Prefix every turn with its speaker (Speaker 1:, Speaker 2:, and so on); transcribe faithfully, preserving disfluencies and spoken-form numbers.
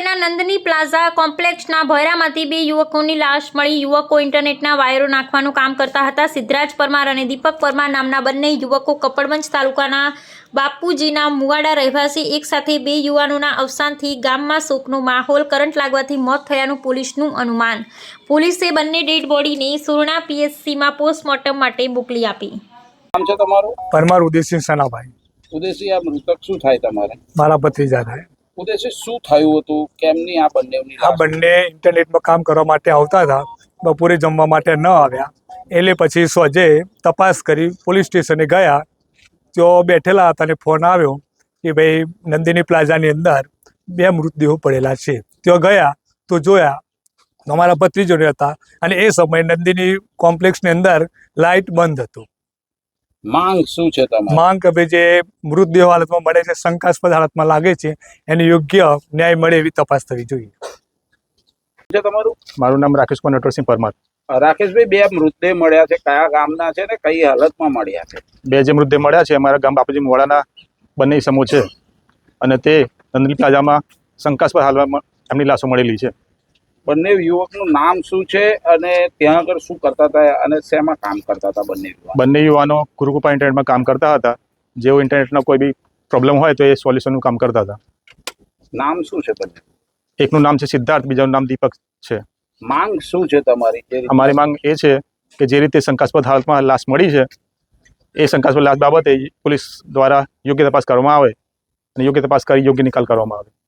Speaker 1: શહેરના નંદની પ્લાઝા કોમ્પ્લેક્સના ભોયરામાંથી બે યુવકોની લાશ મળી। યુવકો ઇન્ટરનેટના વાયરો નાખવાનું કામ કરતા હતા। સિદ્ધરાજ પરમાર અને દીપક પરમાર નામના બંને યુવકો કપડવંજ તાલુકાના બાપુજીના મુવાડા રહેવાસી એક સાથે બે યુવાનોના અવસાનથી ગામમાં શોકનો માહોલ। કરંટ લાગવાથી મોત થયાનું પોલીસનું અનુમાન। પોલીસે બંને ડેડ બોડીને સુરણા પીએચસીમાં પોસ્ટમોર્ટમ માટે મોકલી આપી।
Speaker 2: નામ છે તમારું?
Speaker 3: પરમાર ઉદયસિંહ સનાભાઈ।
Speaker 2: ઉદયસિંહ, આ મૃતક શું થાય તમારે?
Speaker 3: મારા ભત્રીજા થાય।
Speaker 2: ઉદયસિંહ, શું થયું હતું? કેમની આ બંનેની
Speaker 3: આ બંને ઇન્ટરનેટમાં કામ કરવા માટે આવતા હતા, બપોરે જમવા માટે ન આવ્યા, એટલે પછી સોજે તપાસ કરી પોલીસ સ્ટેશને ગયા। તેઓ બેઠેલા હતા અને ફોન આવ્યો કે ભાઈ નંદિની પ્લાઝાની અંદર બે મૃતદેહો પડેલા છે। તેઓ ગયા તો જોયા અમારા ભત્રીજોને હતા અને એ સમયે નંદિની કોમ્પ્લેક્સની અંદર લાઇટ બંધ હતું।
Speaker 2: માંગ શું છે તમારી?
Speaker 3: માંગ કે ભાઈ જે મૃતદેહ હાલતમાં મળે છે, શંકાસ્પદ હાલતમાં લાગે છે, એને યોગ્ય ન્યાય મળે એવી તપાસ થવી જોઈએ।
Speaker 2: છે તમારું?
Speaker 4: મારું નામ રાકેશ કુમાર નટવરસિંહ પરમાર।
Speaker 2: રાકેશભાઈ, બે મૃતદેહ મળ્યા છે, કયા ગામના છે ને કઈ હાલતમાં મળ્યા છે?
Speaker 4: બે જે મૃતદેહ મળ્યા છે અમારા ગામ બાપુજી મુવાડાના બંને સમૂહ છે અને તે નંદની પ્લાઝામાં શંકાસ્પદ હાલમાં એમની લાશો મળેલી છે।
Speaker 2: બંને યુવકનું નામ શું છે અને ત્યાં આગળ શું કરતા હતા અને શેમાં કામ કરતા હતા બંને યુવક?
Speaker 4: બંને યુવાનો ગુરુકૃપા ઇન્ટરનેટમાં કામ કરતા હતા। જેઓ ઇન્ટરનેટનો કોઈ બી પ્રોબ્લેમ હોય તો એ સોલ્યુશનનું કામ કરતા હતા।
Speaker 2: નામ શું છે બંને?
Speaker 4: એકનું નામ છે સિદ્ધાર્થ, બીજાનું નામ દીપક છે।
Speaker 2: માંગ શું છે તમારી?
Speaker 4: અમારી માંગ એ છે કે જે રીતે શંકાસ્પદ હાલતમાં લાશ મળી છે એ શંકાસ્પદ લાશ બાબતે પોલીસ દ્વારા યોગ્ય તપાસ કરવામાં આવે અને યોગ્ય તપાસ કરી યોગ્ય નિકાલ કરવામાં આવે।